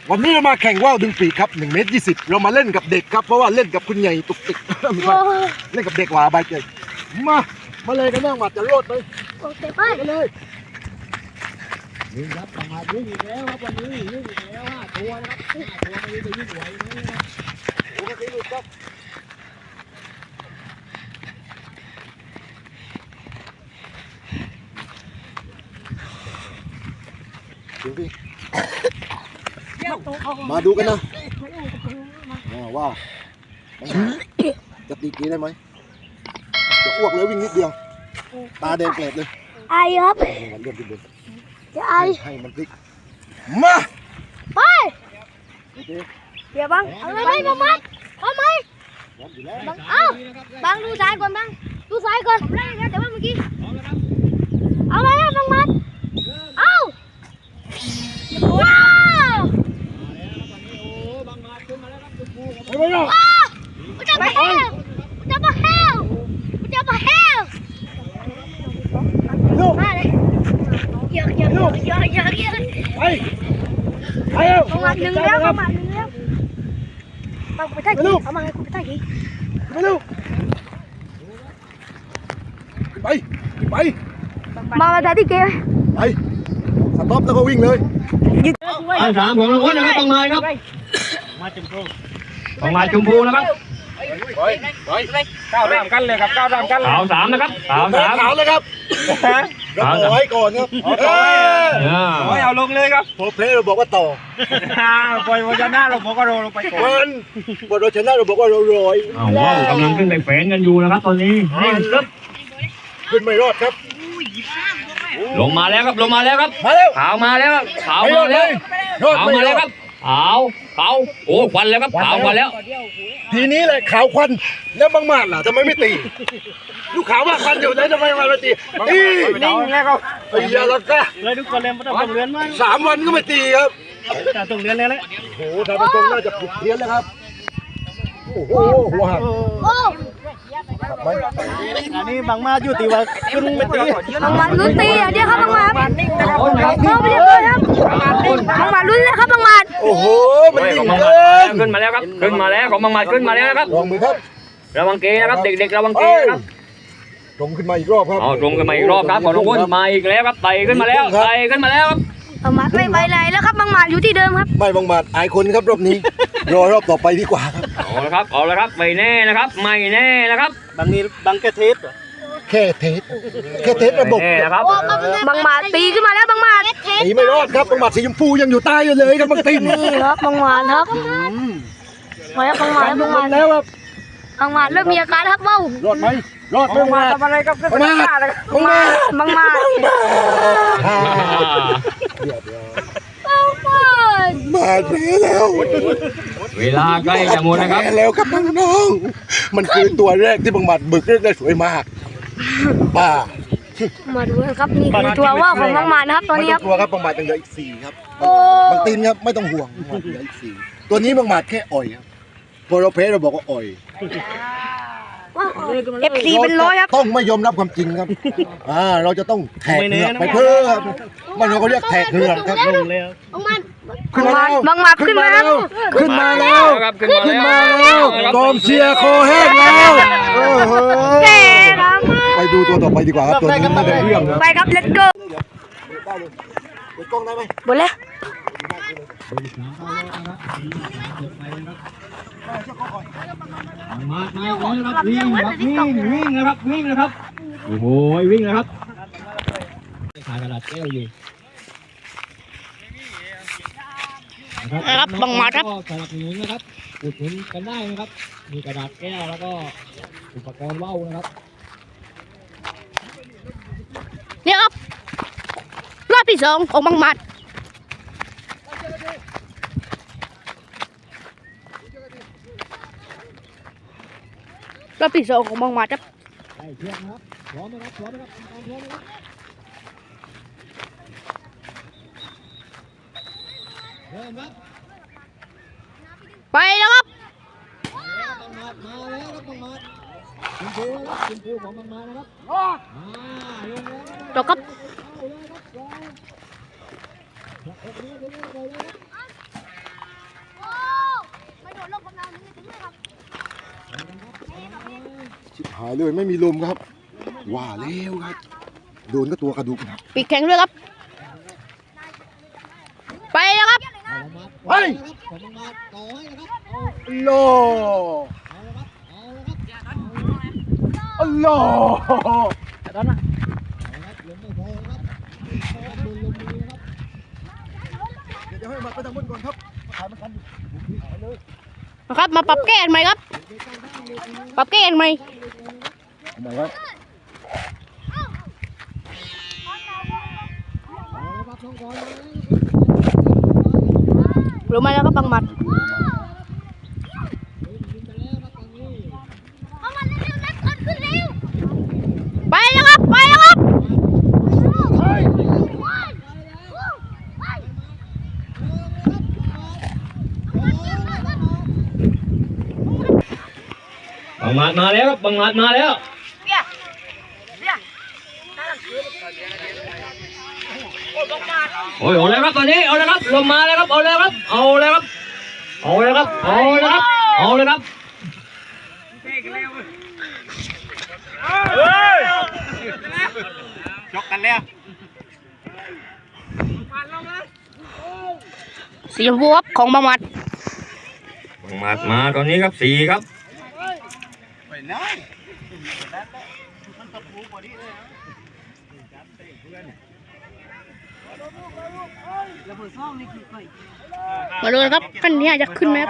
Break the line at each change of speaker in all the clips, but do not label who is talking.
วันนี้เรามาแข่งว่าวดึงปีกครับ1 เมตร 20เรามาเล่นกับเด็กครับเพราะว่าเล่นกับคุณใหญ่ตุกติกไม่ใช่เล่นกับเด็กหวาใบเกยมาเลยกันบ้างมาจะโลดไป
โอเคไป
เลย
วิ่งครับประมาทวิ่งอีกแล้วครับวันนี้วิ่งอีกแล้ว5 ตัวนะครับ5 ตัวไม่รู้จะวิ่งไหวไหมนะครับ
โอ้โหลูกครับมาดูกันนะว่าจะตีกีได้ไหมจะอ้วกเลยวิ่งนิดเดียวตาแดงแกลบเลย
ไอครับ
เลื่อนขึ้นบน
จะไอ
ให้มันพลิกมา
ไปเดี๋ยวบังเอาไหมบังมัดเอาไหมบังเอาบังดูซ้ายก่อนบังดูซ้ายก่อนผมได้แล้วแต่ว่าเมื่อกี้เอาไหมบังมัดเอาว้าว
ไปเลย
จะมาเฮลจะมาเฮลจะมาเฮลมาเลยเยอะ
ไปเร็ว
ประมาณ1 แล้วประมาณ1แล้วบังไปท่ากี่เอามาให้กูไปท่ากี่
ไปเร็วไป
มาท่าที่เกม
ไปสต็อปแล้วก็วิ่งเลย
อัน3ของรางวัลนะครับต้องมาครับต้องมาชมพูนะครับ
ก้าวตามกันเลยครับก้าวตามกันเลย
ขาว3นะครับขาว3
ขาวเลยครับเราต่อให้ก่อนครับ
เอาลงเลยครับ
พอเพลย์เราบอกว่าต่อ
ปล่อยวันหน้าเราบอกว่าเราลงไปก่อน
พอเราชนะเราบอกว่าเราลอย
ว้าวกำลังขึ้นไปแฝงกันอยู่นะครับตอนนี้
ขึ้นไม่รอดครับ
ลงมาแล้วครับ
มาแล้ว
ขาวมาแล้วขาวมาแล้วครับขาวโอ้ควันแล้วครับขาวควันแล้ว
ทีนี้เลยขาวควันแล้วบางมาดล่ะทำไมไม่ตีลูกขาวมากควันอยู่เลยทำไมมาตี
นิ่งแล้วก็
ไอ้ยาลักกะ
เลยทุกคนเลยไม่ต้องเลื่อนมาก
3 วันก็ไม่ตีครับ
ต้องเลื่อนเลย
โอ้โหทางตรงน่าจะผิดเพี้ยนแล้วครับโอ้โหหัวหัก
อันนี้บางมาอยู่ตีว่าขึ้นไม่ตี
บางมาลุ้นตีอย่างเดียวครับบางมาเขาไม่ได้เลยครับบางมาลุ้นเลยครับบางมา
โอ้โหมันยิ่ง
ขึ้นมาแล้วครับขึ้นมาแล้วของบางมาขึ้นมาแล้วครับ
ลองมือครับ
ระวังเกนะครับเด็กๆระวังเกนะครับ
ตรงขึ้นมาอีกรอบครับ
ตรงขึ้นมาอีกรอบครับของทุกคนมาอีกแล้วครับไต่ขึ้นมาแล้วครับ
บางมาไม่ไปไหนแล้วครับบางมาอยู่ที่เดิมครับ
ไม่บางมาอายคนครับรอบนี้รอรอบต่อไปดีกว่าครับ
เอาละครับไม่แน่นะครับ
บางนี้บางแค่เทส
ระบบ
นะครับ
บางมาตีขึ้นมาแล้วบางมา
ตีไม่รอดครับบางมาสีชมพูยังอยู่ใต้อยู่เลยครับบางตี
นี่ครับบางมาครับมาแล้วบางมา
แล้วครับ
บางมาเริ่มมีอาการครับเบ้าร
อดไหมบางมา
ทำอะไรครับ
บางมามาเสียแล้ว
เวลาใกล้จะหมดนะครับ
แล้วครับน้องๆมันคือตัวแรกที่บางหมัดบึกเรียกได้สวยมากป้า
มาดูครับนี่คือตัวว่าของบางหมัดนะครับตอนนี้ครับ
ตัวครับบางหมัดยังเหลืออีก4ครับบางตีนครับไม่ต้องห่วงเหลืออีก4ตัวนี้บางหมัดแค่อ่อยครับพอเราเพลเราบอกว่าอ่อย
FC เป็น100ครับ
ต้องไม่ยอมรับความจริงครับเราจะต้องแทกเหงือกไปเพิ่มมันเราก็เรียกแทกเหงือกครับ
บางหมัดขึ้นมาแล้ว
กองเชียร์คอแห้งแล้วไปดูตัวต่อไปดีกว่าครับตัวนี้ไม่ได้เรื่องครับ
ไปครับ let's go
เปิดกล้องได้ไหม
หมดแล้ว
มาครับวิ่งนะครับโอ้โหวิ่งนะครับขากระดาษแก้วอยู่
นะครับบางมาครับ
สนับสนุนนะครับอุดหนุนกันได้นะครับมีกระดาษแก้วแล้วก็อุปกรณ์ว่าวนะครับ
เนี่ยครับรอบที่2ของบางมัดรอบที่2ของบางมัดครับ
เชือกนะครับพร้อมนะครับ
ไปแล้วครับ
มาแล้วครับต้องมาคุณครูของบางมานะครับ
จบครับ
เ
ชิบหายเลยไม่มีลมครับว่าแล้วครับโดนก็ตัวกระดูกครับ
ปีกแข็งด้วยครับไปแล้วครับ
เฮ้ยโลอัลโลเดี๋ยวให้มาไปทางบนก่อนครับถ่ายมันกันอยู่
นะครับมาปรับแก้กันใหม่ครับปรับแก้กันใหม่
ทำไมครับ
รู้ไหมแล้วก็บังหมัดไปแล้วครับไปแล้วครับ
บังหมัดมาแล้วครับบังหมัดมาแล้วโอ้ยเอาเลยครับตอนนี้เอาเลยครับลมมาแล้วครับเอาเลยครับเอาเลยครับเอาเลยครับเอาเลยครับเอาเลยครับ
ชกกันแล้ว
สีชมพูครับของบังหมัด
บังหมัดมาตอนนี้ครับสี่ครับ
มาดูนะครับขั้นนี้จะขึ้นไหมครับ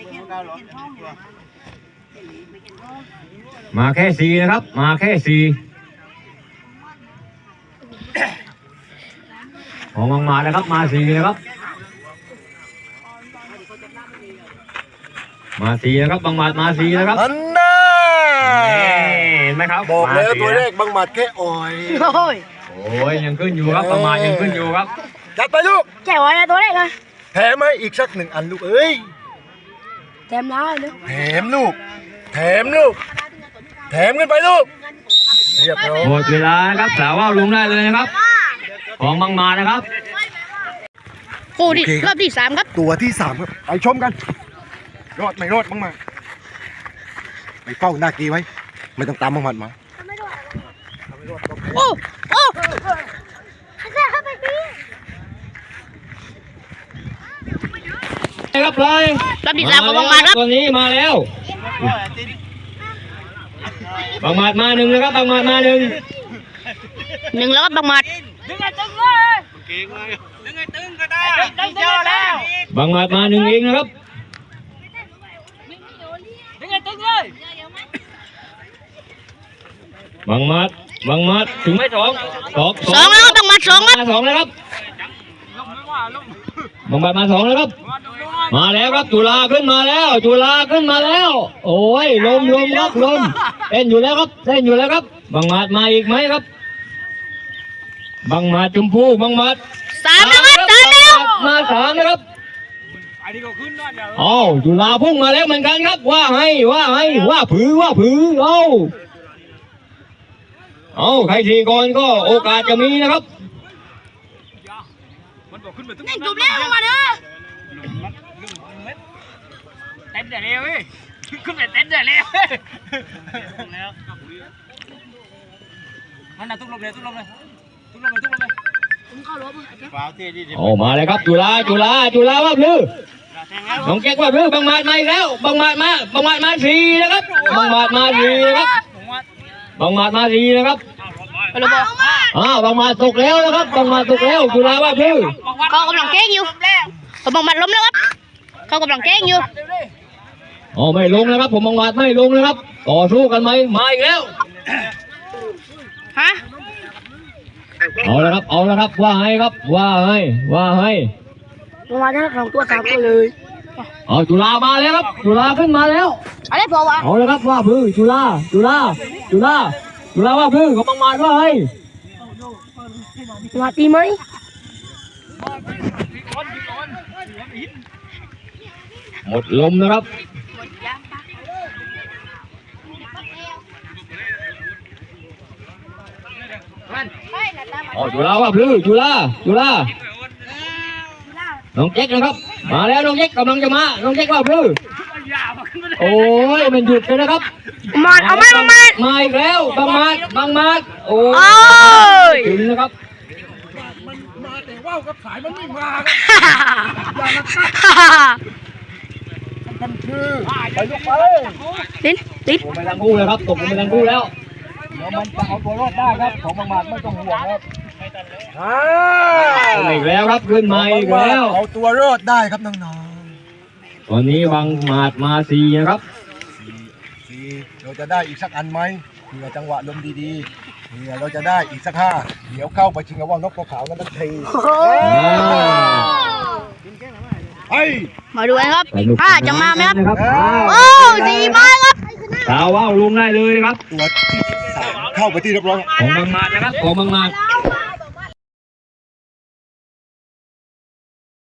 มาแค่สี่นะครับมาแค่สี่ของบังหมัดนะครับมาสี่นะครับมาสี่นะครับบังหมัดมาสี่นะครับ
อันน่า
เห็นไหมครับ
บอกแล้ว
มาสี่
ตัวเลขบังหมัดแค่อ่อย
โอ้ย
โอ้ยยังขึ้นอยู่ครับบังหมัดยังขึ้นอยู่ครับ
จัดไปลูก
แจ๋วนะตัวเลขเลย
แถมให้อีกสักหนึ่งอันลูกเอ้ย
แถมน้าเลย
แถมลูกแถมลูกแถมขึ้นไปลูกเรียบร้อย
หมดเวลานะครับสาวว่าวลงได้เลยนะครับ ของบังหมัดนะครับ
โอ้ดิรอบที่สามครับ
ตัวที่สามครับไปชมกันรอดไม่รอดบังหมัดไปเฝ้าหน้ากีไว้ ไม่ต้องตามบังหมัดมา
โอ้โอ้
ครับเลย
รอบที่สามของบังหมัดครับ
ตัวนี้มาแล้วบังหมัดมาหนึ่งนะครับบังหมัดมาหนึ่ง
หนึ่งแล้วครับบังหมัด
บังหมัดมาหนึ่งเองนะครับบังหมัดถึงไม่สอง
สองแล้วครับบังหมัดสองครับ
มาสองแล้วครับบังหมัดมาสองแล้วครับมาแล้วครับจุฬาขึ้นมาแล้วจุฬาขึ้นมาแล้ว โอ้ยลมครับลมเต้นอยู่แล้วครับเต้นอยู่แล้วครับบังหมัดมาอีกไหมครับบังหมัดชมพูบังหมัด
สามแล้วครับสามแล้ว
มาสามนะครับอ้าวจุฬาพุ่งมาแล้วเหมือนกันครับว่าให้ว่าผือเอาใครทีก่อนก็โอกาสจะมีนะครับ
นี่จบแล้วบังหมัดเด้อ
เต้นแต่เร็วเว้ยขึ้นไปเต้นแต่เร็วมันน่ะทุกลมเลยฟ้าเท่ดี
โอ้มาเลยครับจุฬาว่าพลือน้องแก๊กว่าพลือบังหมัดมาอีกแล้วบังหมัดมาสี่นะครับบังหมัดมาสี่นะครับบังหมัดมาสี่นะครับ
ไปเลยบอก
บังหมัดตกแล้วนะครับบังหมัดตกแล้วจุฬาว่าพลือ
เขากำลังแกล้งอยู่เขาบังหมัดล้มแล้วครับเขากำลังแกล้งอยู่
อ๋อไม่ลงนะครับผมบังหมัดไม่ลงนะครับต่อสู้กันไหมมาอีกแล้ว
ฮะ
เอาละครับว่าให้ครับว่าให้
บังหมัดได้สองตัวสามตัวเลย
เอาจุฬามาแล้วครับจุฬาขึ้นมาแล้ว
อะไรพอวะ
เอาละครับว่าพื้จุฬาว่าพื้ของบังหมัดว่าให้
บังหมัดตีไหม
หมดลมนะครับจุฬาว่าพื้จุฬาน้องแจ็คนะครับมาแล้วน้องแจ็คกำลังจะมาน้องแจ็คว่าพื้โอ้ยมันหยุดเลยนะครับ
มาเอาไหมมา
มาอีกแล้วบางมาดโอ้
โอ้ย
ถึงนะครับ
มันมาแต่ว่าวกับสายมันไม่มาครับอย่านะครับมันคือไปยกไป
ลิ้น
ตกลงไปทั้งคู่เลยครับตกลงไปทั้งคู่แล้ว
เดี๋ยวมันจะเอาตัวรอดได้ครับของบางหมัดไม่ต้องห่วงครับ
ขึ้นอีกแล้วครับขึ้นมาอีกแล้ว
เอาตัวรอดได้ครับน้อง
ตอนนี้บางมาดมาสี่นะครับ
ๆสี่เราจะได้อีกสักอันไหมเผื่อจังหวะลมดีๆเผื่อเราจะได้อีกสักห้าเดี๋ยวเข้าไปชิงกับว่านกตัวขาวนั่นทันที เฮ้ย
มาดูกันครับ
สนุก
จะมาไหมครับ
นะครับ
โอ้สี่มาครับ
สาวว่าวลงได้เลยครับ
ตัวที่สามเข้าไปที่เรียบร้อย
ของบางมาดนะครับของบางมาด